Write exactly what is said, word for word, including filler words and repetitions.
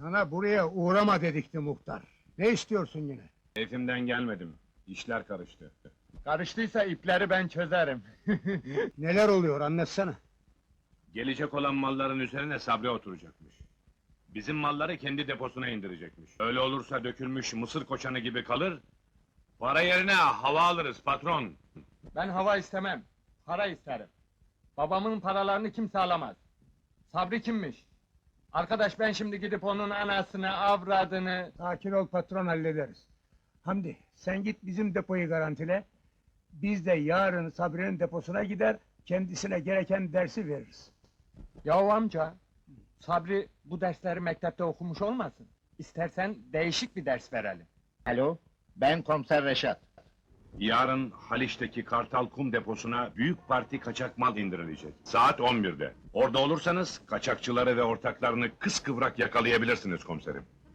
Sana buraya uğrama dedikti muhtar. Ne istiyorsun yine? Keyfimden gelmedim. İşler karıştı. Karıştıysa ipleri ben çözerim. Neler oluyor anlatsana. Gelecek olan malların üzerine Sabri oturacakmış. Bizim malları kendi deposuna indirecekmiş. Öyle olursa dökülmüş mısır koçanı gibi kalır. Para yerine hava alırız patron. Ben hava istemem, para isterim. Babamın paralarını kimse alamaz. Sabri kimmiş? Arkadaş ben şimdi gidip onun anasını, avradını... Sakin ol patron, hallederiz. Hamdi, sen git bizim depoyu garantile. Biz de yarın Sabri'nin deposuna gider, kendisine gereken dersi veririz. Yahu amca, Sabri bu dersleri mektepte okumuş olmasın? İstersen değişik bir ders verelim. Alo, ben komiser Reşat. Yarın Haliç'teki Kartal Kum deposuna büyük parti kaçak mal indirilecek. Saat on birde. Orada olursanız kaçakçıları ve ortaklarını kıskıvrak yakalayabilirsiniz komiserim.